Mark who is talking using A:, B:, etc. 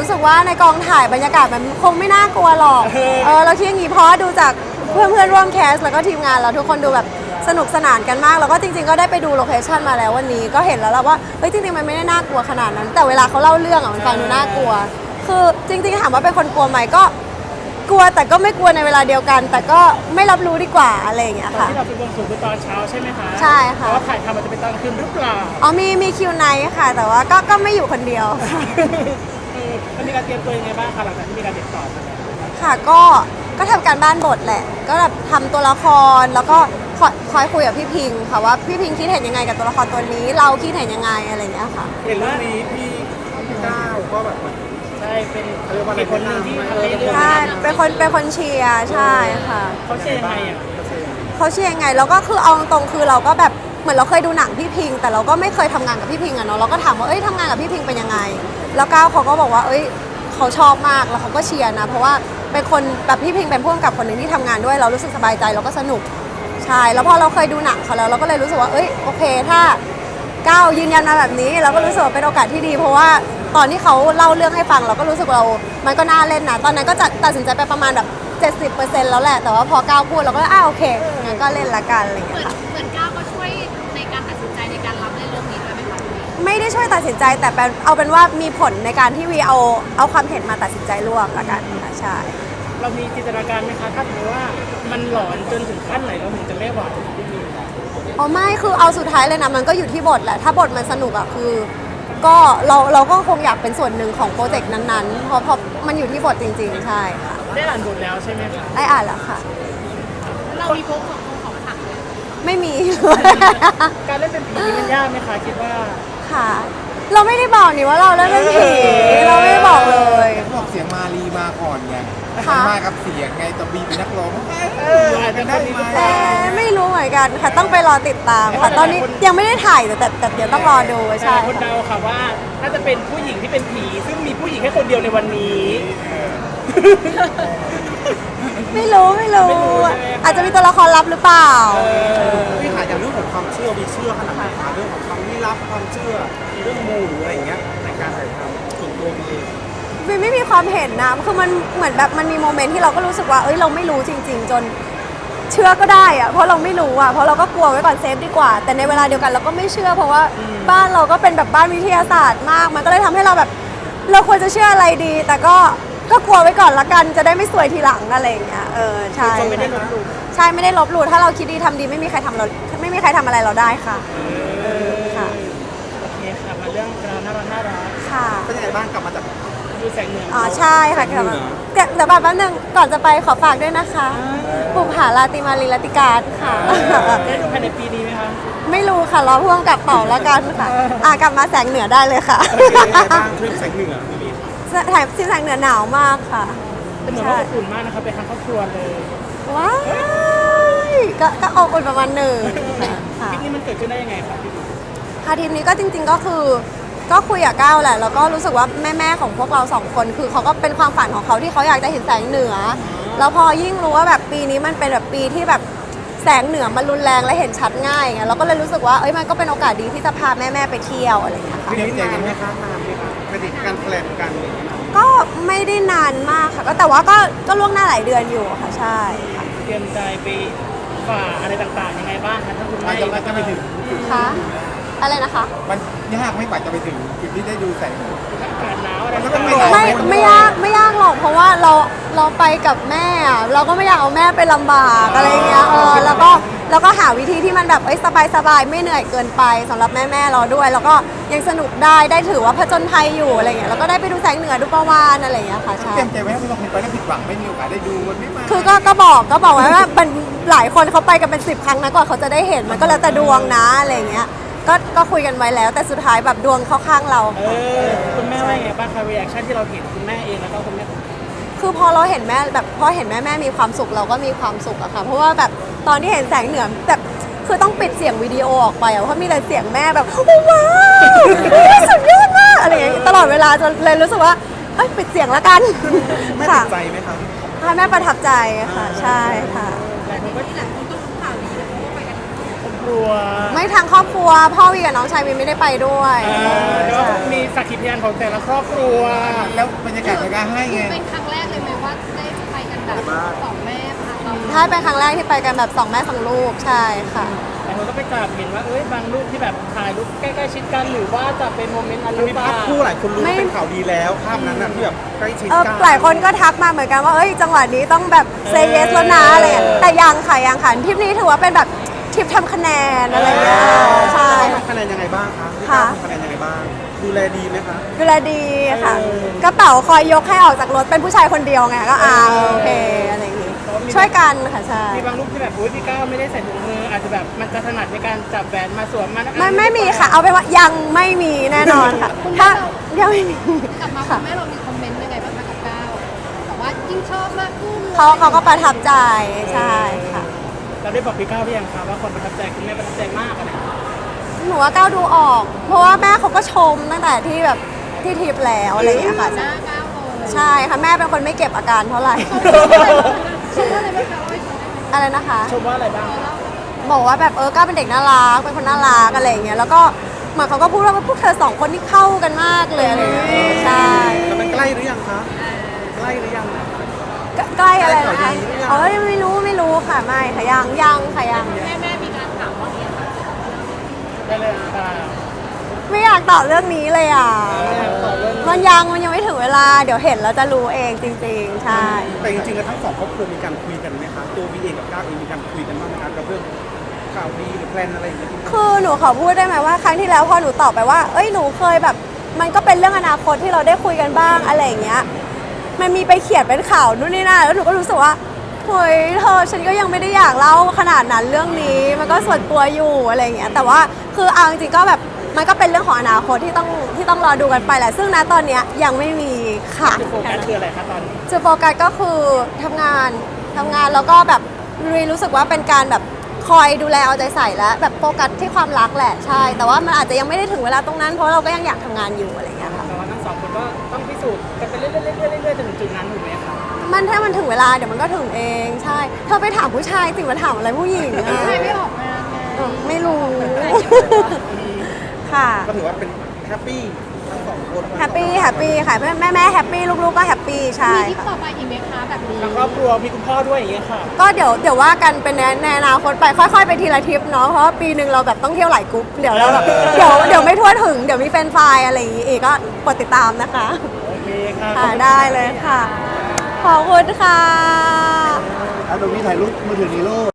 A: รู้สึกว่าในกองถ่ายบรรยากาศมันคงไม่น่ากลัวหรอกเราคิดอย่างนี้เพราะดูจากเพื่อนร่วมแคสแล้วก็ทีมงานเราทุกคนดูแบบสนุกสนานกันมากแล้วก็จริงๆก็ได้ไปดูโลเคชั่นมาแล้ววันนี้ก็เห็นแล้วว่าเฮ้ยจริงๆมันไม่ได้น่ากลัวขนาดนั้นแต่เวลาเขาเล่าเรื่องมันฟังดูน่ากลัวคือจริงๆถามว่าเป็นคนกลัวไหมก็กลัวแต่ก็ไม่กลัวในเวลาเดียวกันแต่ก็ไม่รับรู้ดีกว่าอะไรอย่างเงี้ยค่ะ
B: ที่เราไปบวงสรวงตอนเช้าใช่ไหมคะ
A: ใช่ค่ะ
B: เพราะว่าถ่ายทำมันจะเป็นตอนคืนหรือเปล่า
A: อ๋อมีคิวไนท์ค่ะแต่ว่าก็ไม่อยู่คนเดียว
B: มันมีการเตรียมตัวยังไงบ้างคะหลังจากที่มีการติดต่อมาแล้ว
A: ค่ะก็ทำการบ้านบทแหละก็แบบทำตัวละครแล้วก็คอยคุยกับพี่พิงค่ะว่าพี่พิงคิดเห็นยังไงกับตัวละครตัวนี้เราคิดเห็นยังไงอะไรอย่างเงี้ยค่ะ
C: เห็นเรื่องนี้พี่ก้าวก็แบบ
B: ใช่เป็นคนหนึ่งที่ให้เรื่อง
A: ใช่เป็นคนเชียร์ใช่ค่ะ
B: เขาเชียร์ยังไงอ่ะ
A: เขาเชียร์ยังไงแล้วก็คือเอาตรงคือเราก็แบบเหมือนเราเคยดูหนังพี่พิงแต่เราก็ไม่เคยทำงานกับพี่พิงอะเนาะเราก็ถามว่าทำงานกับพี่พิงเป็นยังไงแล้วก้าวเขาก็บอกว่าเขาชอบมากแล้วเขาก็เชียร์นะเพราะว่าเป็นคนแบบพี่พิงเป็นผู้กำกับคนหนึ่งที่ทำงานด้วยเรารู้สึกสบายใจเราก็สนุกใช่แล้วพอเราเคยดูหนังเขาแล้วเราก็เลยรู้สึกว่าโอเคถ้าก้าวยืนยันมาแบบนี้เราก็รู้สึกว่าเป็นโอกาสที่ดีเพราะว่าตอนที่เขาเล่าเรื่องให้ฟังเราก็รู้สึกมันก็น่าเล่นนะตอนนั้นก็จะตัดสินใจไปประมาณแบบ70%แล้วแหละแต่ว่าพอก้าวพูดเราก็โอเคงั้นก็เล่นละกันอะไรอย่างเงี้ยค่ะ
D: เหมือนก้าวก็ช่วยในการตัดสินใจในการรับเล่นเรื่องนี้ด้วยไหมคะ
A: ไม่ได้ช่วยตัดสินใจแต่เอาเป็นว่ามีผลในการที่วีเอาความเห็นมาตัดสินใจร่วมละกันค่ะใช่
B: เรามีจินตนาการไหมคะถ้าสมมติว่ามันหลอนจนถึงขั้นไหนเราถึงจะไม่ไหว
A: ไม่คือเอาสุดท้ายเลยนะมันก็อยู่ที่บทแหละถ้าบทมันสนุกอะคือก็เราก็คงอยากเป็นส่วนหนึ่งของโปรเจกต์นั้นๆเพราะมันอยู่ที่บทจริงๆใช่ค่ะ
B: ได้อ่านบทแล้วใช่ไหมคะ
A: ได้อ่านแล้วค่ะ
D: เรามีพกของขังเลย
A: ไม่มี
B: การเล่นเป็นผีมันยากไหมคะคิดว่า
A: ค่ะเราไม่ได้บอกนี่ว่าเราเล่นเป็นผีเราไม่ได้บอกเลย
C: บอกเสียงมาลีมาก่อนไงมากับเสียงไงจะบีเป็นนักร้อง
B: อาจจะได้ไหม
A: ไม่รู้เหมือนกันค่ะต้องไปรอติดตามค่ะตอนนี้ยังไม่ได้ถ่ายแต่เดี๋ยวต้องรอดูใช่
B: คนเดาค่ะว่าถ้าจะเป็นผู้หญิงที่เป็นผีซึ่งมีผู้หญิงแค่คนเดียวในวันนี้
A: ไม่รู้อาจจะมีตัวละครลับหรือเปล่า
C: พี่ขายอย่างเรื่องของความเชื่อมีเชื่อขนาดไหนคะเรื่องของความลี้ลับความเชื่อเรื่องมูหรืออะไรอย่างเงี้ยในการถ่ายทำส่วนตัวมี
A: ไม่มีความเห็นนะคือมันเหมือนแบบมันมีโมเมนต์ที่เราก็รู้สึกว่าเราไม่รู้จริงๆจนเชื่อก็ได้อะเพราะเราไม่รู้อะเพราะเราก็กลัวไว้ก่อนเซฟดีกว่าแต่ในเวลาเดียวกันเราก็ไม่เชื่อเพราะว่าบ้านเราก็เป็นแบบบ้านวิทยาศาสตร์มากมันก็เลยทำให้เราแบบเราควรจะเชื่ออะไรดีแต่ก็กลัวไว้ก่อนละกันจะได้ไม่ซวยทีหลังอะไรอย่างเงี้ยใช่
B: ไม่ได้ลบหลู่
A: ใช่ไม่ได้ลบหลู่ถ้าเราคิดดีทำดีไม่มีใครทำอะไรเราได้ค่ะ
B: ค่ะโอเคค่ะมาเรื่องเราน่ารัก
A: ค่ะ
C: เป็นยังไงบ้างกลับมาจาก
B: ดูแสงเหนือ
A: ใช่ค่ะกลับมาเดี๋ยวแป๊บนึงก่อนจะไปขอฝากด้วยนะคะบุปผาราตรีมาลีรัติการค่ะ
B: ได้ดูภายในปีนี้ไหมคะ
A: ไม่รู้ค่ะรอพ่วงกับเป่าแล้วกันค่ะกลับมาแสงเหนือได้เลยค่ะ
C: บ้างทริปแสงเหนือ
A: ถ่ายที่แสงเหนือหนาวมากค่ะ
B: เป็นเหมือนว่าอบอุ่นมากนะคะเป็นทั้งครอบครัวเลย
A: ว้ายก็อบอุ่นประมาณหนึ่ง
B: ทริปนี้มันเกิดขึ้นได้ยังไงคะพี่บิ๊ก
A: ทริปนี้ก็จริงๆก็คือก็คุยกับก้าวแหละแล้วก็รู้สึกว่าแม่ของพวกเรา2 คนคือเขาก็เป็นความฝันของเขาที่เขาอยากจะเห็นแสงเหนือแล้วพอยิ่งรู้ว่าแบบปีนี้มันเป็นแบบปีที่แบบแสงเหนือมันรุนแรงและเห็นชัดง่ายไงเราก็เลยรู้สึกว่ามันก็เป็นโอกาสดีที่จะพาแม่ไปเที่ยวอะไรอย่างเงี้ยค่ะ
C: เตรียมใจกันไหมคะนานไหมคะไม่ได้การแพลนกันอะไรอย่างเงี้ย
A: ก็ไม่ได้นานมากค่ะก็แต่ว่าก็ล่วงหน้าหลายเดือนอยู่ค่ะใช่ค่ะ
B: เตรียมใจไปฝ่าอะไรต่างๆยังไงบ้างคะถ้าคุณแม่
C: จะไปถึง
A: คะอะไรนะคะ
C: มันยากไม่กว่าจะไปถึงจุดที่ได้ดูแสงเหนือ
B: อากาศหนาวอะไร
A: ไม่ยากหรอกเพราะว่าเราไปกับแม่เราก็ไม่อยากเอาแม่ไปลำบากอะไรเงี้ยแล้วก็หาวิธีที่มันแบบสบายไม่เหนื่อยเกินไปสำหรับแม่เราด้วยแล้วก็ยังสนุกได้ถือว่าผจญภัยอยู่อะไรเงี้ยแล้วก็ได้ไปดูแสงเหนือดูประวานอะไรเงี้ยค่ะใช่
C: เตรียมใจไว้ไม่ต้องไปแล้วผิดหวังไม่มีโอกาสได้ดูมันไม่มา
A: คือก็บอกไว้ว่ามันหลายคนเขาไปกันเป็น10 ครั้งนะกว่าเขาจะได้เห็นมันก็แล้วแต่ดวงนะอะไรเงี้ยก็คุยกันไว้แล้วแต่สุดท้ายแบบดวงเข้าข้างเรา
B: คุณแม่ว่าไงบ้างคะรีแอคชั่นที่เราเห็นคุณแม่เองแล้วก็คุณแม่
A: คือพอเราเห็นแม่แบบพอเห็นแม่มีความสุขเราก็มีความสุขอะค่ะเพราะว่าแบบตอนที่เห็นแสงเหนือแบบคือต้องปิดเสียงวิดีโอออกไปเพราะมีแต่เสียงแม่แบบว้าวสุดยอดมากอะไรอย่างเงี้ยตลอดเวลาจนเลยรู้สึกว่าปิดเสียงแล้วกัน
C: แม่ติดใจไหมคะ
A: แม่ประทับใจค่ะใช่ค่ะ
D: หลายคนก็รู้ข่าวนี้แล้วก็ไปกัน
B: ครอบครัว
A: ไม่ทางครอบครัวพ่อวีกับน้องชายวีไม่ได้ไปด้วย
B: ก็มีสักขีพยานของแต่ละครอบครัว
C: แล้วบรรยากาศในการให้ไง
D: เป็นครั้งแรกเลยไหมว่าได้ไปกันแบบสองแม่พาเรา
A: ถ้าเป็นครั้งแรกที่ไปกันแบบ2 แม่ 2 ลูกใช่ค่ะ
B: แต่คนก็ไปจับเห็นว่าบางรูปที่แบบถ่ายรูปใกล้ๆชิดกันหรือว่าจะเป็นโมเมนต์อัน
C: มัน
B: หรื
C: มี
B: อเป
C: ภา
B: ล่า
C: พคู่หลายคนรู้
A: ไม่
C: เป็นข่าวดีแล้วภาพนั้นน่ะที่แบบใกล้ชิดกัน
A: หลายคนก็ทักมาเหมือนกันว่าเอ้ยจังหวะนี้ต้องแบบเซเยสแล้วนะอะไรอย่างเงี้ยแต่ยังค่ะทริปนี้ถือว่าเป็นแบบทริปทำคะแนนอะไรอย่างเงี้ยใช่
C: ทำคะแนนยังไงบ้างคะพี่
A: ค่ะ
C: ก้าวทำคะแนนยังไงบ้างดูแลดีไหมคะ
A: ดูแลดีค่ะกระเป๋าคอยยกให้ออกจากรถเป็นผู้ชายคนเดียวไงก็โอเคอะไรอย่างงี้ช่วยกันค่ะใช่
B: มีบางรูปที่แบบพี่ก้าวไม่ได้ใส่ถุงมืออาจจะแบบมันจะถนัดในการจับแหวนมาสวมมัน
A: ไม่มีค่ะ เอาเป็นว่ายังไม่มีแน่นอนค่ะถ้ายังไม่มี
D: กลับมาคุ
A: ค่ะ
D: ณแม่เรามีคอมเมนต์ยังไงบ้างคะกับก้าวแต่ว่ายิ่งชอบมากขึ้น
A: เขาก็ประทับใจใช่ค่ะ
B: เราได้บอกพี่ก้าวหรือยังคะว่าคนประทับใจคุณแม่ประทับใจมากอะนะ
A: หนูว่าก้าวดูออก เพราะว่าแม่เขาก็ชมตั้งแต่ที่แบบที่ทริปแล้วอะไรอย่างเงี้ยค่ะ
D: หน้าก้าวเลย
A: ใช่ค่ะแม่เป็นคนไม่เก็บอาการเท่าไหร่
D: ชมว่าอะไรบ้างคะว่าให้ชมได้ไหม
A: อะไรนะคะ
B: ชมว่าอะไรบ้าง
A: บอกว่าแบบก้าวเป็นเด็กน่ารักเป็นคนน่ารักอะไรอย่างเงี้ยแล้วก็เหมือนเขาก็พูดว่าพวกเธอ2 คนที่เข้ากันมากเลยอะไรอย่างเงี้ยใช่
C: แต่เป็นใกล้หรือยังคะใกล้หรือยัง
A: ใกล้อะไรนะคะ
C: ใกล้ข่าวดีหรือยัง
A: ไม่รู้ค่ะไม่ค่ะยังค่ะยัง
D: แม่มีการถามว่าเนี่ยค่ะ
B: ได้เลยค่ะ
A: ไม่อยากตอบเรื่องนี้เลยอ่ะ
B: ต่อเรื่อง
A: มันยังไม่ถึงเวลาเดี๋ยวเห็นแล้วจะรู้เองจริงๆ ใช่
C: แต่จริงๆแล้วทั้งสองครอบครัวมีการคุยกันไหมคะตัววีเองกับก้าวเองมีการคุยกันบ้างไหมคะกับเรื่องข่าวดีหรือแพลนอะไรอย่างเงี้ย
A: คือหนูขอพูดได้ไหมว่าครั้งที่แล้วพอหนูตอบไปว่าเอ้ยหนูเคยแบบมันก็เป็นเรื่องอนาคตที่เราได้คุยกันบ้างอะไรอย่างเงี้ยมันมีไปเขียนเป็นข่าวนู่นนี่นั่นแล้วหนูก็รู้สึกว่าเฮ้ยเธอฉันก็ยังไม่ได้อยากเล่าขนาดนั้นเรื่องนี้มันก็ส่วนตัวอยู่อะไรอย่างเงี้ยแต่ว่าคือเอาจริงๆก็แบบมันก็เป็นเรื่องของอนาคตที่ต้องรอดูกันไปแหละซึ่งณตอนเนี้ยยังไม่มีค่ะ
B: จุดโฟกัสคืออะไรคะตอนนี้
A: จุดโฟกัสก็คือทำงานแล้วก็แบบรู้สึกว่าเป็นการแบบคอยดูแลเอาใจใส่และแบบโฟกัสที่ความรักแหละใช่แต่ว่ามันอาจจะยังไม่ได้ถึงเวลาตรงนั้นเพราะเราก็ยังอยากทำงานอยู่อะไรอย่างเงี้ยค่ะ
B: แต่ว่าทั้งสองคนก็ต้องพิสูจน์กันไปเรื่อยๆจนถึงจุดนั้นถูกไหมคะ
A: ถ้ามันถึงเวลาเดี๋ยวมันก็ถึงเองใช่เธอไปถามผู้ชายสิมาถามอะไรผู้หญิงอะ
D: ใครไม่ออกงานไง
A: ไม่รู้ ค่ะ
C: ก็ถือว่าเป็นแฮปปี้ทั้งสองคน
A: แฮปปี้ค่ะแม่แฮปปี้ลูกๆก็แฮปปี้ใช่
D: มีทริป
A: ค่ะ
D: ต่อไปอีกไหมคะแบบนี้
B: ทางครอบครัวมีคุณพ่อด้วยอย่างเงี้ยค่ะ
A: ก็เดี๋ยวว่ากันเป็นในอนาคตไปค่อยๆไปทีละทริปเนาะเพราะว่าปีหนึ่งเราแบบต้องเที่ยวหลายกรุ๊ปเดี๋ยวเราแบบเดี๋ยวไม่ทั่วถึงเดี๋ยวมีแฟนไฟล์อะไรอย่างงี้อีกก็กดติดตามนะคะ
B: โอเคค่ะ
A: ค่ะได้เลยค่ะ ขอบคุณค่ะ
C: อ่ะเดี๋ยวมีถ่ายรูปมือถือนี้ลูก